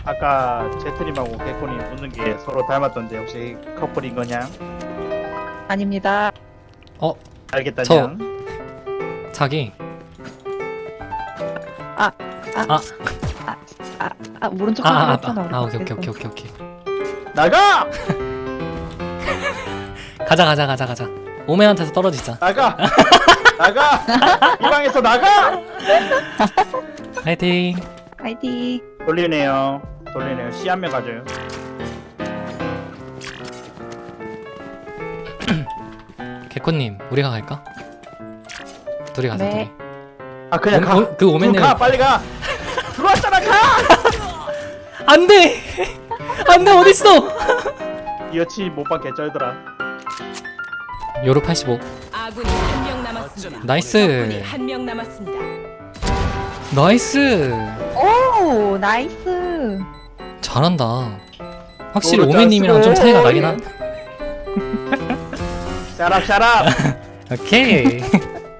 아까 제트님하고 개코님 웃는 게 서로 닮았던데 혹시 커플인 거냐? 아닙니다. 알겠다냐? 자기 모른 척하기로 했잖아. 우리 오케이 밖에서. 오케이 나가! 가자 오맨한테서 떨어지자. 나가! 나가! 이 방에서 나가! 화이팅. 화이팅. 돌리네요. 씨 한 명 가져요. 개코님 우리가 갈까? 둘이 가자. 네. 둘이. 아 그냥 가. 그 오맨은 가 빨리 가. 들어왔잖아 가. 안돼 어딨어? 이 여치 못 받게 쩔더라. 요로 85. 아군이 한 명 남았습니다. 나이스. 적군이 한 명 남았습니다. 나이스. 오, 나이스. 잘한다. 확실히 요로 오맨님이랑 좀 차이가 나긴 한. 샤랍. 오케이.